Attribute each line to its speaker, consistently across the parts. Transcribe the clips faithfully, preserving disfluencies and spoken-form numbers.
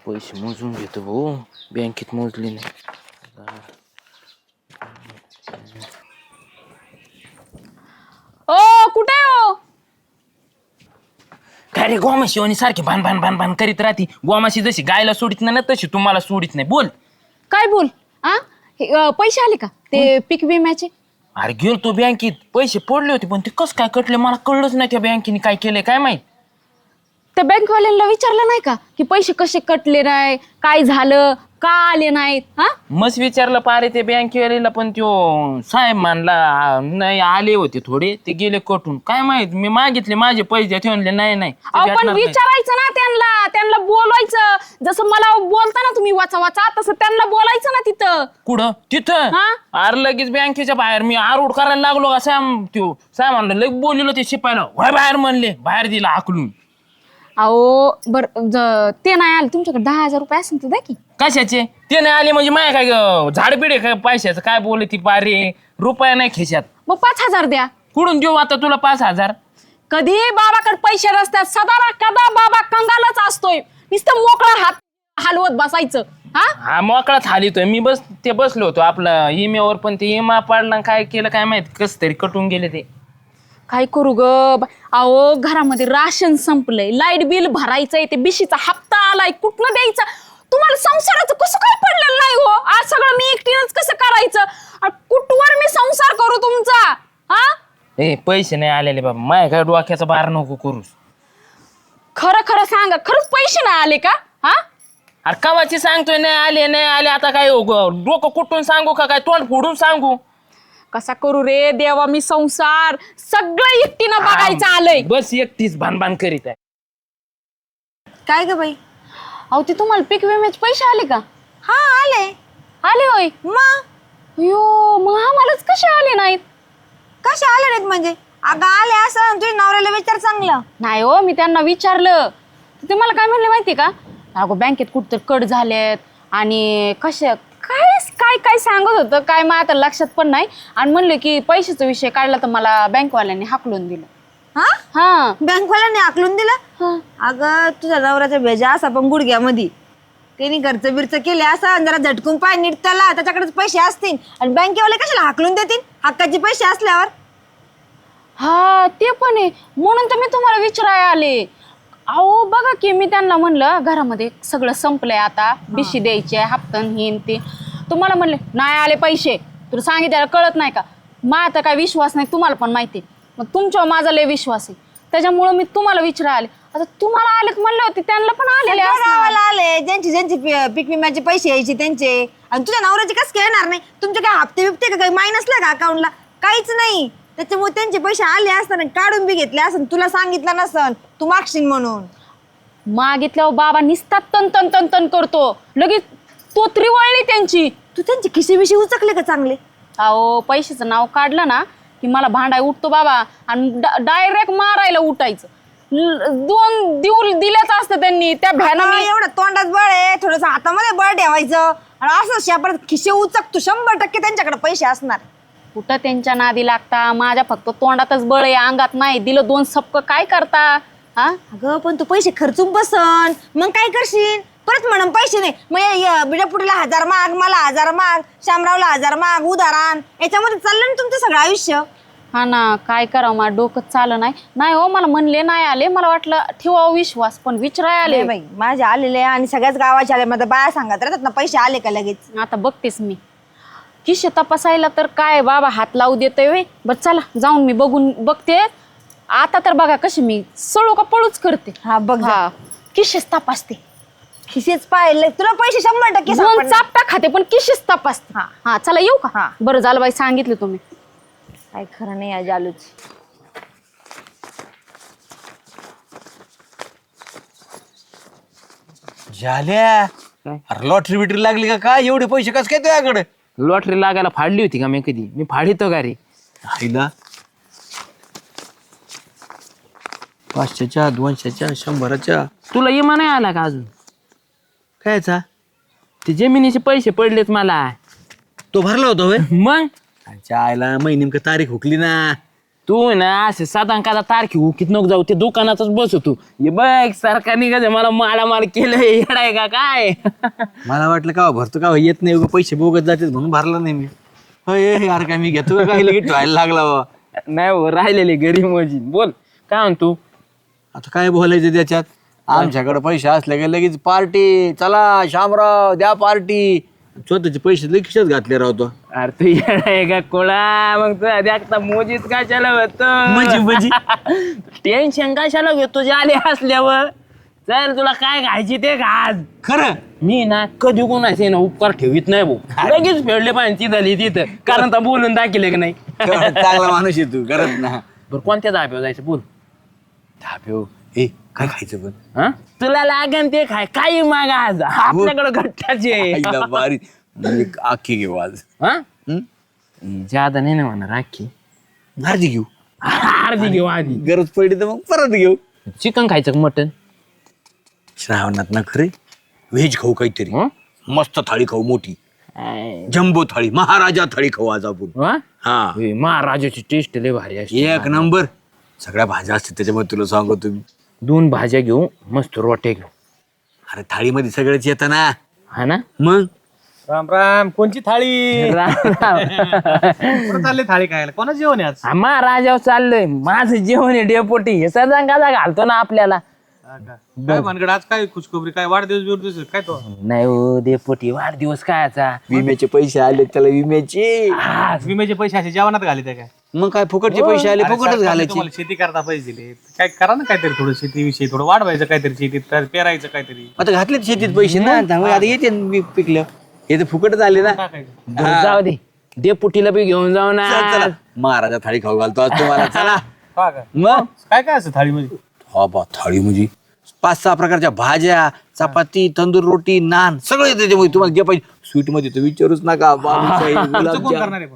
Speaker 1: पैसे मोजून घेतो भाऊ, बँकेत मोजले नाही.
Speaker 2: ओ कुठे हो?
Speaker 1: काय रे गोमाशी आणि सारखी भान भान भान भान करीत राहती. गोमाशी जशी गायला सोडित नाही ना तशी तुम्हाला सोडित नाही. बोल.
Speaker 2: काय बोल आ हे, अ, पैसे आले का ते पीक विम्याचे?
Speaker 1: अरे गेलो तो बँकेत, पैसे पडले होते पण ते कस काय कटले मला कळलंच नाही. त्या बँकेने काय केलंय काय माहित.
Speaker 2: त्या बँकवाल्यांना विचारलं नाही का की पैसे कसे कटले नाही, काय झालं, का आले नाहीत? हा
Speaker 1: मस्त विचारलं पारे ते बँकेवालीला पण त्यो साहेब मानला नाही आले होते थोडे ते गेले कटून. काय माहित मी मागितले माझे पैसे ते म्हणले नाही नाही ते
Speaker 2: अहो, पण
Speaker 1: भेटणार नाही.
Speaker 2: विचारायचं ना त्यांना, त्यांना बोलायचं. जसं मला बोलता ना तुम्ही वाचा वाचा तसं त्यांना बोलायचं ना तिथं.
Speaker 1: कुठं तिथं
Speaker 2: हा?
Speaker 1: अरे लगेच बँकेच्या बाहेर मी आरोड करायला लागलो का सॅम त्यो साहेब म्हणलं लगेच बोललो ते शिपायला व्हाय बाहेर म्हणले बाहेर दिला हाकलून.
Speaker 2: अहो बर ज- ते नाही आले तुमच्याकडे दहा हजार रुपये असेल तर द्या की.
Speaker 1: कशाचे ते नाही आले म्हणजे माय काय झाडपिडे काय पैशाचं काय बोलले ती पारे रुपया नाही खिशात.
Speaker 2: मग पाच हजार द्या.
Speaker 1: कुठून देऊ आता तुला पाच हजार.
Speaker 2: कधी बाबाकडे पैसे नसतात, सदा ना कदा बाबा कंगालच असतोय. नुसतं मोकळा हात हलवत बसायचं. हा
Speaker 1: हा मोकळाच हालितोय मी. बस ते बसलो होतो आपलं इमेवर पण ते इमा पाडला काय केलं काय माहित कस तरी कटून गेले ते.
Speaker 2: काय करू ग बा- अहो घरामध्ये राशन संपलंय, लाईट बिल भरायचंय, ते बिशीचा हप्ता आलाय, कुठनं द्यायचा? तुम्हाला संसाराचं कसं काय पडलेलं नाही हो? आज सगळं मी एकटीनंच कसं करायचं? आणि कुठवर मी संसार करू तुमचा? हा
Speaker 1: ए पैसे नाही आलेले बाबा माय काय डोक्याचा बार नको करूस.
Speaker 2: खरं खरं सांगा, खरंच पैसे नाही आले का? हा
Speaker 1: अरे कवाची सांगतोय नाही आले नाही आले आता काय हो ग, डोकं कुठून सांगू का काय तोंड फोडून सांगू.
Speaker 2: कसा करू रे देवा मी संसार? सगळं एकटीनं बघायचं आलंय.
Speaker 1: बस एकटीच भानभान करीत आहे.
Speaker 3: काय ग बाई?
Speaker 2: अहो ते तुम्हाला पीक विम्याचे पैसे आले का?
Speaker 3: हा आले.
Speaker 2: आले होय.
Speaker 3: मग
Speaker 2: यो मग आम्हालाच कसे आले नाहीत?
Speaker 3: कसे आले नाहीत म्हणजे? अगं आले असं तुझ्या नवऱ्याला विचार चांगलं.
Speaker 2: नाही हो मी त्यांना विचारलं ते मला काय म्हणले माहिती का? अगो बँकेत कुठतर कट झालेत आणि कशा काय काय काय सांगत होतं काय मला आता लक्षात पण नाही. आणि म्हणले की पैशाचा विषय काढला तर मला बँकवाल्यांनी हाकलून दिलं.
Speaker 3: हा
Speaker 2: हा
Speaker 3: बँकवाल्याने आकलून दिला.
Speaker 2: हा.
Speaker 3: अगं तुझ्या नवऱ्याचा भेजा असा पण गुडघ्यामध्ये त्यांनी घरच बिरच केले असं जरा झटकून पाय नीट त्याला त्याच्याकडेच पैसे असतील आणि बँकेवाले कशाला हाकलून देतील हक्काचे पैसे असल्यावर.
Speaker 2: हा ते पण आहे म्हणून तर मी तुम्हाला विचारायला आले. अहो बघा की मी त्यांना म्हणलं घरामध्ये सगळं संपलंय आता बिशी द्यायची आहे हप्तन हिन ते. तुम्हाला म्हणले नाही आले पैसे. तुला सांगितलं कळत नाही का? माझा काय विश्वास नाही तुम्हाला पण माहिती आहे. मग तुमच्यावर माझा लय विश्वास आहे त्याच्यामुळं मी तुम्हाला विचारायला आले. आता तुम्हाला आलेत म्हणले होते त्यांना पण आलेले
Speaker 3: सगळ्या
Speaker 2: असणार.
Speaker 3: गावाला आले ज्यांचे ज्यांचे पी- पीक विम्याचे पैसे यायचे त्यांचे. आणि तुझ्या नवऱ्याचे कसं काय येणार नाही? तुमचे काय हप्ते बिप्ते का काही मायनसला का अकाउंटला? काहीच नाही. त्याच्यामुळे त्यांचे पैसे आले असताना काढून बी घेतले असं तुला सांगितलं नसन तू मागशील म्हणून.
Speaker 2: मागितल्यावर बाबा निसतात तन तन तन तन करतो लगेच तोतरी वळली त्यांची.
Speaker 3: तू त्यांचे खिसे बिशे उचकले का चांगले?
Speaker 2: अहो पैशाचं नाव काढलं ना की मला भांडाय उठतो बाबा आणि डायरेक्ट मारायला उठायचं. ल- दोन देऊ दिल्याच असतं त्यांनी त्या भ्यानं
Speaker 3: आता
Speaker 2: मी.
Speaker 3: एवढं तोंडात बळ आहे थोडस हातामध्ये बळ ठेवायचं आणि असं शापरात खिसे उचक तू शंभर टक्के त्यांच्याकडे पैसे असणार.
Speaker 2: कुठं त्यांच्या नादी लागता माझ्या फक्त तोंडातच बळ आहे अंगात नाही. दिलं दोन सपक काय करता? हा
Speaker 3: अगं पण तू पैसे खर्चून बसन मग काय करशील? परत म्हणून पैसे नाही मग बिडापुटीला हजार माग मला हजार माग शामरावला हजार माग उदाहरण याच्यामध्ये चाललं ना तुमचं सगळं आयुष्य.
Speaker 2: हा ना काय करावं मला डोकं चालं नाही. नाही हो मला म्हणले नाही आले मला वाटलं ठेवावं विश्वास पण विचाराय आले.
Speaker 3: आले बाई माझे आलेले आणि सगळ्याच गावाचे आले. माझ्या बाया सांगत राहतात ना पैसे आले का लगेच.
Speaker 2: आता बघतेस मी किशे तपासायला तर काय बाबा हात लावू देतोय वे. बरं चला जाऊन मी बघून बघते. आता तर बघा कशी मी सळू का पळूच करते.
Speaker 3: हा बघ जा.
Speaker 2: हा किशेच तपासते.
Speaker 3: खिसेच पाहिले तुला पैसे शंभर टक्के
Speaker 2: दोन
Speaker 3: सापडणार.
Speaker 2: चापटा खाते पण किशेच तपासते.
Speaker 3: हा.
Speaker 2: हा चला येऊ का?
Speaker 3: हा.
Speaker 2: बरं झालं बाई सांगितलं तुम्ही.
Speaker 3: काय खरं नाही या जालूच.
Speaker 4: झाल्या
Speaker 1: काय?
Speaker 4: अरे लॉटरी बिटरी लागली का काय एवढे पैसे कस काय तुझ्याकडे?
Speaker 1: लॉटरी लागायला फाडली होती का मी कधी? मी फाडितो का रे?
Speaker 4: आईला पाचशेच्या दोनशेच्या शंभराच्या
Speaker 1: तुला इमा नाही आला का अजून?
Speaker 4: कायचा
Speaker 1: ते जमिनीचे पैसे पडलेत मला.
Speaker 4: तो भरला होता होय?
Speaker 1: मग
Speaker 4: आईच्या आईला मै नेमकं तारीख हुकली ना.
Speaker 1: तू ना असे साधारण तारखे उकीत नको जाऊ ते दुकानातच बस तू हे बघ सरकारने कसं मला मालामाल केलं येडाय का काय
Speaker 4: मला वाटलं का भरतो का येत नाही उगा पैसे बोगत जाते म्हणून भरला नाही मी. होय यार काय मी घेतो का काही लगेच व्हायला लागला बा.
Speaker 1: नाही हो राहिलेले गरीब मोजी बोल काय म्हणतो
Speaker 4: आता काय बोलायचं त्याच्यात आमच्याकडे पैसे असले का लगेच पार्टी चला शामराव द्या पार्टी स्वतःचे पैसे लगेच खिशात घातले राहतो.
Speaker 1: अरे तू येडाय का कोळा मग तू देखता मोजीत कशाला होत
Speaker 4: म्हणजे म्हणजे
Speaker 1: टेन्शन कशाला घेतो आले असल्यावर चल तुला काय खायची ते घाज
Speaker 4: खरं
Speaker 1: मी ना कधी कोणाचे ना उपकार ठेवीत नाही भाऊ लगेच फेडले पाहिजे झाली तिथं कारण तर बोलून दाखिले की नाही
Speaker 4: चांगला माणूस आहे तू करत ना.
Speaker 1: बरं कोणत्या धाब्यावर जायचं बोल
Speaker 4: धाब्यो ए काय खायचं पण
Speaker 1: हा तुला लागन ते खाय काही माग आज आपल्याकडे घट्टाचे
Speaker 4: आईला बारी म्हणजे आखी घेऊ आज.
Speaker 1: हा
Speaker 4: हं?
Speaker 1: ज्यादा नाही ना म्हणा राखी
Speaker 4: अर्धी घेऊ
Speaker 1: अर्धी घेऊ आधी
Speaker 4: गरज पडली तर मग परत घेऊ.
Speaker 1: चिकन खायचं मटन
Speaker 4: श्रावणात ना खरे व्हेज खाऊ काहीतरी मस्त थाळी खाऊ मोठी जम्बो थाळी महाराजा थाळी खाऊ आज आपण. हा
Speaker 1: महाराजाची टेस्ट लय भारी असते
Speaker 4: एक नंबर सगळ्या भाज्या असतात त्याच्यामध्ये तुला सांगू तुम्ही
Speaker 1: दोन भाज्या घेऊ मस्त रोट्या घेऊ
Speaker 4: अरे थाळीमध्ये सगळंच येतं ना.
Speaker 1: हा ना
Speaker 4: मग
Speaker 5: राम राम कोणची थाळी
Speaker 1: राम राम.
Speaker 5: कुठं चालली थाळी खायला कोणाचं जेवण आहे आज
Speaker 1: हा, महाराजावर चाललंय माझं जेवण आहे डेपोटी हे सदा गाजा घालतो ना आपल्याला
Speaker 5: हा का? काय भानगड आज काय खुशखबरी काय वाढदिवस बिवदिवस काय तो
Speaker 1: नाही हो डेपोटी वाढदिवस कायचा
Speaker 4: विम्याचे पैसे आले त्याला विम्याचे
Speaker 1: हा,
Speaker 5: विम्याचे पैसे असे जेवणात घाले काय
Speaker 4: मग काय फुकटचे पैसे आले
Speaker 5: अरे
Speaker 4: फुकटच
Speaker 5: सरकारने
Speaker 4: घालायचे.
Speaker 5: तुम्हाला शेती करता पैसे दिले काय करा ना काहीतरी थोडं शेतीविषयी थोडं वाढवायचं काहीतरी शेतीत तर पेरायचं काहीतरी
Speaker 4: आता घातले शेतीत पैसे ना त्यामुळे आता येते ना मी पिकलं हे तर फुकटच आले ना.
Speaker 5: टाकायचं
Speaker 1: बरं, जाऊ दे डेपुटीला बी घेऊन जाऊ ना
Speaker 4: चल, चला. महाराजा थाळी खाऊ घालतो आज तुम्हाला चला.
Speaker 5: हा का?
Speaker 4: मग
Speaker 5: काय काय असं थाळीमध्ये
Speaker 4: हा बा थाळी म्हणजे पाच सहा प्रकारच्या भाज्या चपाती तंदूर रोटी नान सगळं येतं त्याच्यामध्ये तुम्हाला जे पाहिजे स्वीट मध्ये तर विचारूच नका बालुशाही,
Speaker 5: कोण
Speaker 4: गुलाबजाम.
Speaker 5: करणार आहे पण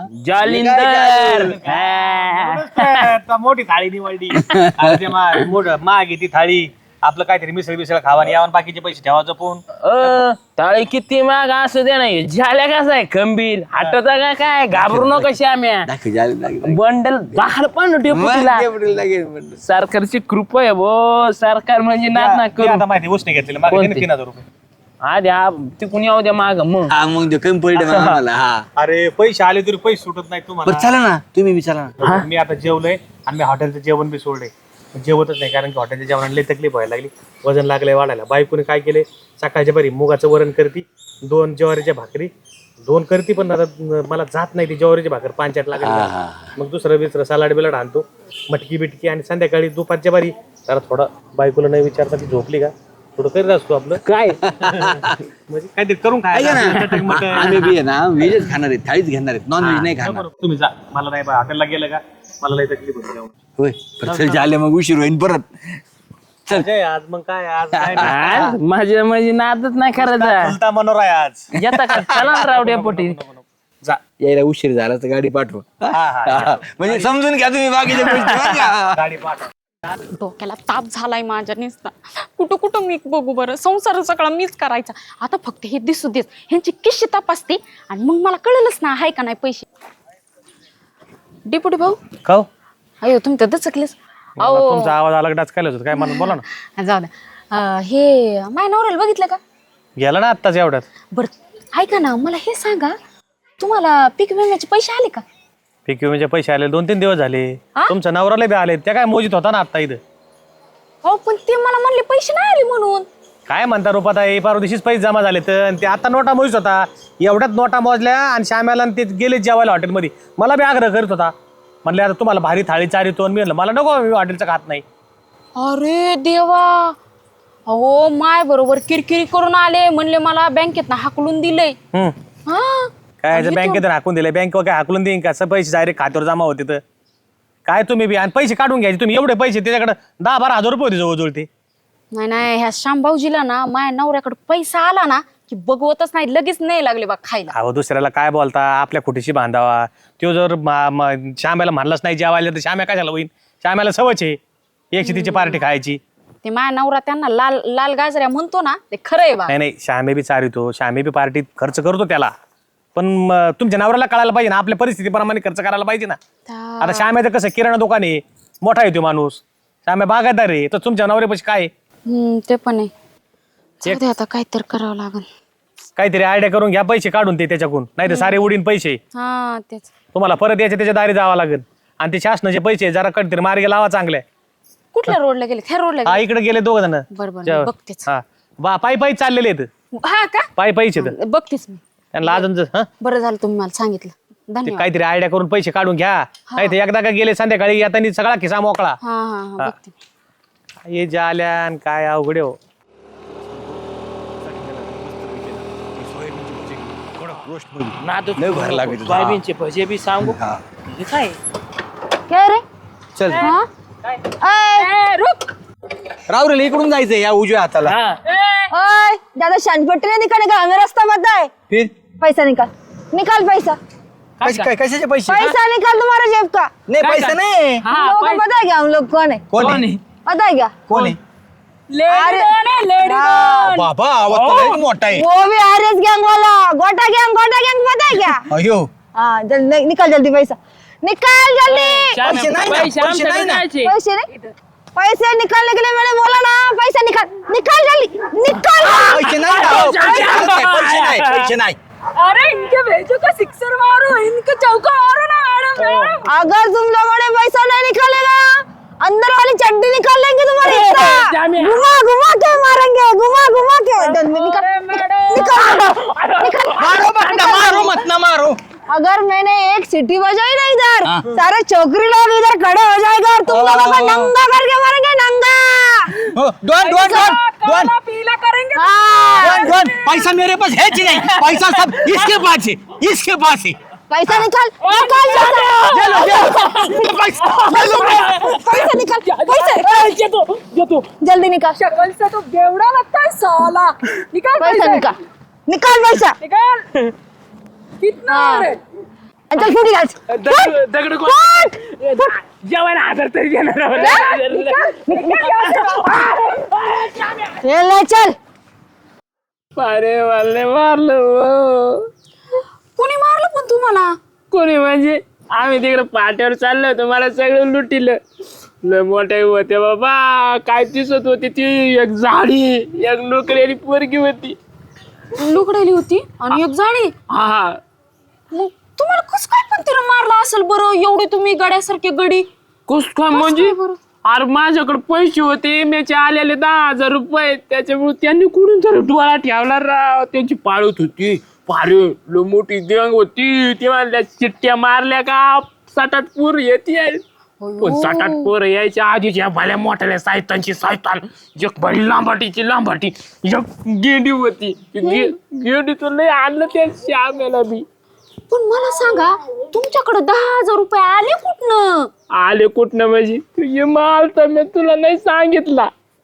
Speaker 1: जालिंदर हा.
Speaker 5: आता मोठी थाळी निवडली आता ते मा- मोठं महाग आहे ती थाळी आपलं काहीतरी मिसळ बिसळ खावा आणि यावं बाकीचे पैसे ठेवा जपून
Speaker 1: अ ताळी किती माग असू दे नाही झाल्या कसा आहे खंबीर हटता का काय घाबरू नको श्याम्या
Speaker 4: दाखव, जायला लागेल.
Speaker 1: बंडल दाखल पण
Speaker 4: मग
Speaker 1: डेपुटीला
Speaker 4: डेपुटीला लागेल म्हणलं.
Speaker 1: सरकारची कृपा आहे भो सरकार म्हणजे नात ना
Speaker 5: मी
Speaker 1: करू
Speaker 5: आता माहिती उसने घेतलेलं मागे
Speaker 1: कोणते?
Speaker 5: तीन हजार रुपये
Speaker 1: आधी हा तिकून येऊ द्या माग मग
Speaker 4: हा मग ते कमी पडले मला मला, हा
Speaker 5: अरे पैसे आले तरी पैसे सुटत नाही
Speaker 4: बरं
Speaker 5: तुम्हाला
Speaker 4: चला ना तुम्ही बी चला ना.
Speaker 5: मी आता जेवलोय आणि मी हॉटेलचं जेवण बी सोडलंय जेवतच नाही कारण की हॉटेलच्या जेवणाला लई तकलीफ व्हायला लागली वजन लागलंय वाढायला बायकोने काय केले सकाळच्या बरी मुगाचं वरण करती दोन ज्वारीच्या भाकरी दोन करती पण आता मला जात नाही ती ज्वारीची भाकर पांचाट लागली मग दुसरं बिसरं सलाड बिलाड आणतो मटकी बिटकी आणि संध्याकाळी दुपारच्या बारी जरा थोडं बायकोला नाही विचारता ती झोपली का थोडं करीत असतो आपलं
Speaker 1: काय
Speaker 5: म्हणजे काहीतरी करून
Speaker 4: ऐका ना
Speaker 5: खायला
Speaker 4: आम्ही बी आहे ना व्हेजच खाणार आहेत थाळीच घेणार आहेत नॉन व्हेज नाही खाणार.
Speaker 5: तुम्ही जा मला नाही हॉटेलला गेलं का मला लई तकलीफ होती जेवण.
Speaker 4: होय बरं, चल झाले मग उशीर होईन परत. चल
Speaker 5: अजय, आज मग काय आज काय नाही.
Speaker 1: आज माझ्या माझी नादच नाही करायचा
Speaker 5: चलता मनोरा आहे आज
Speaker 1: येता का चला ना राव डेपुटी
Speaker 5: जा
Speaker 4: यायला उशीर झाला तर गाडी पाठवा.
Speaker 5: हा हा
Speaker 4: म्हणजे समजून घ्या तुम्ही बाकीचे गोष्टी बरं का?
Speaker 5: गाडी पाठव
Speaker 2: डोक्याला ताप झालाय माझ्या नुसता कुठं कुठं मी बघू बरं संसार सगळा मीच करायचा आता फक्त हे दिसू देत ह्यांची किशी तपासते आणि मग मला कळलंच ना आहे का नाही पैसे डिपुटी भाऊ
Speaker 5: खाऊ
Speaker 2: अयो तुम्ही तर दचकलेच अहो
Speaker 5: तुमचा आवाज अलग डाचकायला होता काय मला बोला ना
Speaker 2: जाऊ द्या अं, हे माय नवऱ्याला बघितलं का
Speaker 5: गेला ना आत्ताच एवढ्यात
Speaker 2: बरं ऐका ना मला हे सांगा तुम्हाला पीक विम्याचे पैसे आले का
Speaker 5: पीक विम्याचे पैसे आले दोन तीन दिवस झाले
Speaker 2: हा?
Speaker 5: तुमच्या नवऱ्याला बी आले त्या काय मोजित होता ना आता इथं
Speaker 2: हो पण ते मला म्हणले पैसे नाही आले म्हणून
Speaker 5: काय म्हणता रुपात आहे परवा दिवशीच पैसे जमा झाले तर ते आता नोटा मोजित होता एवढ्यात नोटा मोजल्या आणि श्याम्याला आणि ते गेले जेवायला हॉटेलमध्ये मला बी आग्रह करत होता म्हणले आता तुम्हाला भारी थाळी चारितो मी म्हणलं मला नको मी हॉटेलचं खात नाही
Speaker 2: अरे देवा अहो माय बरोबर किरकिरी करून आले म्हणले मला बँकेत ना हाकलून दिलंय
Speaker 5: हम्म.
Speaker 2: हा
Speaker 5: काय बँकेत हाकून दिले बँक काय हाकलून देईन का पैसे डायरेक्ट खात्यावर जमा होते तर काय तुम्ही बी आणि पैसे काढून घ्यायचे तुम्ही एवढे पैसे त्याच्याकडे दहा बारा हजार रुपये होते जवळजवळ ते
Speaker 2: नाही नाही ह्या श्यामभाऊजीला ना माझ्या नवऱ्याकडे पैसा आला ना की बघवतच नाही लगेच नाही लागले बा खायला
Speaker 5: अहो दुसऱ्याला काय बोलता आपल्या खोटीशी बांधावा तो जर मा- म- श्याम्याला म्हणलाच नाही जेवायला तर श्याम्या कशाला होईन श्याम्याला सवच आहे एकशे तिची पार्टी खायची
Speaker 2: ते माझ्या नवरा त्यांना लाल लाल गाजऱ्या म्हणतो ना ते खरं आहे बा
Speaker 5: नाही नाही श्यामे बी चारितो श्यामे बी पार्टीत खर्च करतो त्याला पण म, तुमच्या नवऱ्याला कळायला पाहिजे ना, आपल्या परिस्थितीप्रमाणे खर्च करायला पाहिजे ना.
Speaker 2: त्या-
Speaker 5: आता श्याम्याचं कसं किराणा दुकान आहे, मोठा आहे तो माणूस, श्याम्या बागायतदार आहे, तर तुमच्या नवऱ्यापाशी काय आहे?
Speaker 2: हम्म, ते पण आहे. जाऊ दे, आता काहीतरी करावं लागल.
Speaker 5: काहीतरी आयडिया करून घ्या, पैसे काढून ते त्याच्याकडून, नाही तर सारे उडीन पैसे
Speaker 2: हा तेच.
Speaker 5: तुम्हाला परत यायचे त्याच्या दारी जावं लागेल. आणि ते शासनाचे पैसे जरा कधीतरी मार्गे लावा चांगले.
Speaker 2: कुठल्या रोडला गेले? ह्या रोडला
Speaker 5: हा
Speaker 2: गेले?
Speaker 5: इकडे गेले दोघ जण.
Speaker 2: बरं बरं मी बघतेच.
Speaker 5: हा बा पायी पायी चाललेले आहेत,
Speaker 2: हा का?
Speaker 5: पायी पायीचे तर
Speaker 2: बघतेच मी.
Speaker 5: त्यांना अजून जर- हं?
Speaker 2: बरं झालं तुम्ही मला सांगितलं.
Speaker 5: ते
Speaker 2: धन्यवाद.
Speaker 5: काहीतरी आयडिया करून पैसे काढून घ्या. नाही तर एकदा का गेले संध्याकाळी येताना सगळा खिसा मोकळा.
Speaker 2: हा हा हा बघते.
Speaker 5: हे जाल्यान काय अवघड आहे हो.
Speaker 1: नादू
Speaker 4: लय भारी लागायचं.
Speaker 1: सोयाबीनचे भजे बी सांगू
Speaker 4: हा.
Speaker 1: हे काय
Speaker 3: काय रे
Speaker 4: चल
Speaker 3: हा
Speaker 2: ए, रुक.
Speaker 4: राव रे इकडून जायचंय या उजव्या हाताला.
Speaker 1: हा
Speaker 3: ओए ज्यादा शानपट्टी नहीं निकाल निकाल हमें रास्ता बता है
Speaker 4: फिर
Speaker 3: पैसा निकाल निकाल पैसा
Speaker 4: पैसे काय कशाचे पैसे
Speaker 3: पैसा निकाल तुम्हारे जेब का
Speaker 4: नाही पैसे नाही.
Speaker 1: हा
Speaker 3: हम लोगों को
Speaker 1: पैसे-
Speaker 3: पता है क्या हम लोग कौन है
Speaker 4: कोण
Speaker 1: कोण
Speaker 4: आहे
Speaker 1: आहे?
Speaker 3: पता है क्या
Speaker 4: कोण आहे
Speaker 3: अरे हाँ,
Speaker 4: बाबा आवाज तर लयच मोठा आहे.
Speaker 3: वो भी आरएस गैंग वाला गोटा गैंग गोटा गैंग पता है क्या
Speaker 4: अयो
Speaker 3: हाँ जल्दी निकाल जल्दी पैसा निकाल जल्दी
Speaker 1: श्याम,
Speaker 4: पैसे नाही ना,
Speaker 1: पैसे
Speaker 4: पैसे
Speaker 1: आमच्याकडे
Speaker 4: नाही ना.
Speaker 1: नाहीचे.
Speaker 3: पैसे नहीं पैसे निकालने के लिए मैंने बोला ना पैसा निकाल निकाल जल्दी निकाल
Speaker 4: पैसे नाही ना, हो, पैसे नाही, पैसे नाही पैसे नाही.
Speaker 2: अरे इनके भेजो का सिक्सर मारो, इनके चौका मारो ना मैडम.
Speaker 3: अगर तुम लोगों ने पैसा नहीं निकालेगा अंदर वाली चड्डी निकाल लेंगे तुम्हारी हिस्सा.
Speaker 1: जामिया।
Speaker 3: घुमा घुमा के मारेंगे घुमा घुमा के जल्दी निकाल निकाल निकाल
Speaker 4: मारो मत ना मारो मत ना मारो.
Speaker 3: अगर मैंने एक सीटी बजाई ना इधर
Speaker 4: हाँ।
Speaker 3: सारे छोकरी लोग इधर खड़े हो जाएगा और तुम लोगों को नंगा करके मारेंगे नंगा.
Speaker 4: हो, दोन दोन दोन दोन
Speaker 2: पीला करेंगे.
Speaker 3: हाँ.
Speaker 4: दोन दोन पैसा मेरे पास है कि नहीं. पैसा सब इसके पास है इसके पास है.
Speaker 3: पैसा निकाल निकाल पैसा
Speaker 4: ये लो, ये लो. पैसा ये लो, पैसा.
Speaker 3: पैसा निकाल पैसे जल्दी निकाल
Speaker 2: शक्ल से तो बेवड़ा लगता है साला. निकाल
Speaker 3: पैसा निकाल निकाल पैसा
Speaker 2: निकाल. कितना
Speaker 3: हाँ.
Speaker 2: है?
Speaker 3: चल फूट निकाल
Speaker 1: दगड दगड
Speaker 3: फूट
Speaker 1: जेवायला हजार तरी देणार
Speaker 3: ये ले चल
Speaker 1: अरे वाले मारलं
Speaker 2: कोणी मारलं पण तुम्हाला?
Speaker 1: कोणी म्हणजे आम्ही तिकडे पाट्यावर चाललो होतो मला सगळं लुटिलं लय मोठे होते बाबा काय दिसत होती ती एक झाडी एक नोकरी पोरगी होती
Speaker 2: लुकडेली होती आणि एक जाडी.
Speaker 1: हा हा
Speaker 2: मग तुम्हाला कस काय पण तिला मारला असेल बरं? एवढे तुम्ही गड्यासारखे गडी.
Speaker 1: कस काय म्हणजे
Speaker 2: काय बरं?
Speaker 1: अरे माझ्याकडे पैसे होते मेचे आलेले दहा हजार रुपये त्याच्यामुळे त्यांनी कुठून तर डोळा ठेवला राव त्यांची पाळत होती पारे लो मोठी देंग होती ती म्हणल्या चिट्ट्या मारल्या का सात आठ पोर येते पण सात आठ पोर यायच्या आधीच्या भल्या मोठ्याल्या सायतांची सायतान एक भली लांबाटीची लांबाटी एक गेंडी होती गेंडीचं लय आणलं त्या श्यामेला बी
Speaker 2: पण मला सांगा तुमच्याकडे दहा हजार रुपये आले कुठनं?
Speaker 1: आले कुठनं म्हणजे तुझे माल तर मी तुला नाही सांगितला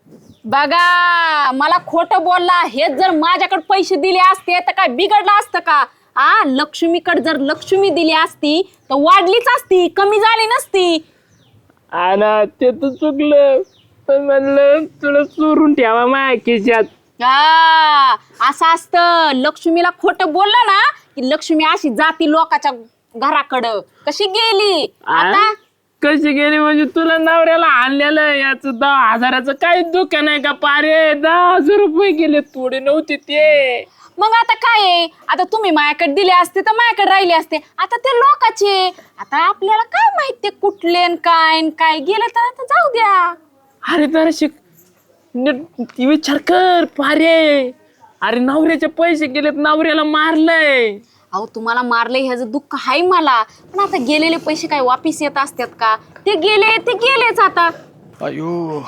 Speaker 2: बघा मला खोटं बोलला. हेच जर माझ्याकडे पैसे दिले असते तर काय बिघडलं असतं का? आ लक्ष्मीकडे जर लक्ष्मी दिली असती तर वाढलीच असती, कमी झाली नसती.
Speaker 1: आणि ते तर चुकलं पण म्हणलं तुला चोरून ठेवा माझ्या खिशात
Speaker 2: हा असं असतं. लक्ष्मीला खोटं बोललं ना की लक्ष्मी अशी जाती लोकाच्या घराकडं. कशी गेली आता?
Speaker 1: कशी गेली म्हणजे तुला नवऱ्याला आणलेलं याच दहा हजाराचं काही दुकान आहे का पारे दहा हजार रुपये गेले थोडे नव्हते ते
Speaker 2: मग आता काय आहे? आता तुम्ही माझ्याकडे दिले असते तर माझ्याकडे राहिले असते. आता ते लोकाचे. आता आपल्याला काय माहित ते कुठले न काय न काय गेलं तर आता जाऊ द्या.
Speaker 1: अरे तर शिक नीट विचार कर पारे अरे नवऱ्याचे पैसे गेलेत नवऱ्याला मारलंय.
Speaker 2: अहो तुम्हाला मारले ह्याचं दुःख आहे मला पण आता गेलेले पैसे काय वापिस येत असतात का? ते गेले ते गेलेच आता.
Speaker 4: अयो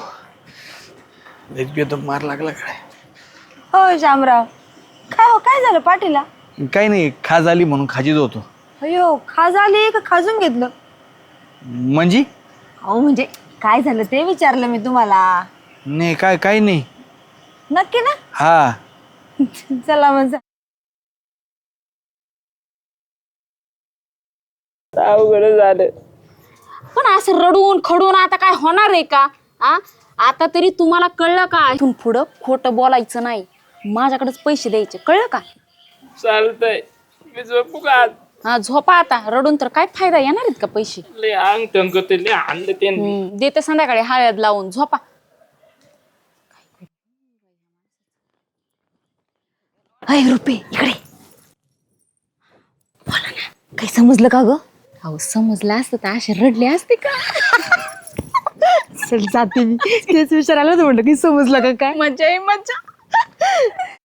Speaker 4: एकदम मार लागला काय.
Speaker 3: हो शामराव काय हो काय झालं पाटीला?
Speaker 4: काही नाही खाज आली म्हणून खाजीत होतो.
Speaker 3: अयो खाज आली का खाजून घेतलं?
Speaker 4: म्हणजे
Speaker 3: अहो म्हणजे काय झालं ते विचारलं मी तुम्हाला.
Speaker 4: नाही काय काही नाही.
Speaker 3: नक्की ना?
Speaker 4: हा
Speaker 3: चला मग
Speaker 1: अवघड झालं.
Speaker 2: पण असं रडून खडून आता काय होणार आहे का? आ आता तरी तुम्हाला कळलं का? इथून पुढं खोटं बोलायचं नाही. माझ्याकडेच पैसे द्यायचे कळलं का?
Speaker 1: चालतंय मी झोपू का आज?
Speaker 2: हा झोपा आता, रडून तर काय फायदा, येणार आहेत का पैसे?
Speaker 1: लय अंग टंक ते लय आणलं त्यांनी.
Speaker 2: हम्म, देते संध्याकाळी हळद लावून, झोपा.
Speaker 3: अय रुपे इकडे बोला ना, काही समजलं का ग?
Speaker 2: अहो समजलं असतं तर असे रडले असते का?
Speaker 3: चल जाते मी, तेच विचारायला होतं, म्हणलं की समजलं का काय?
Speaker 2: मजा आहे मजा.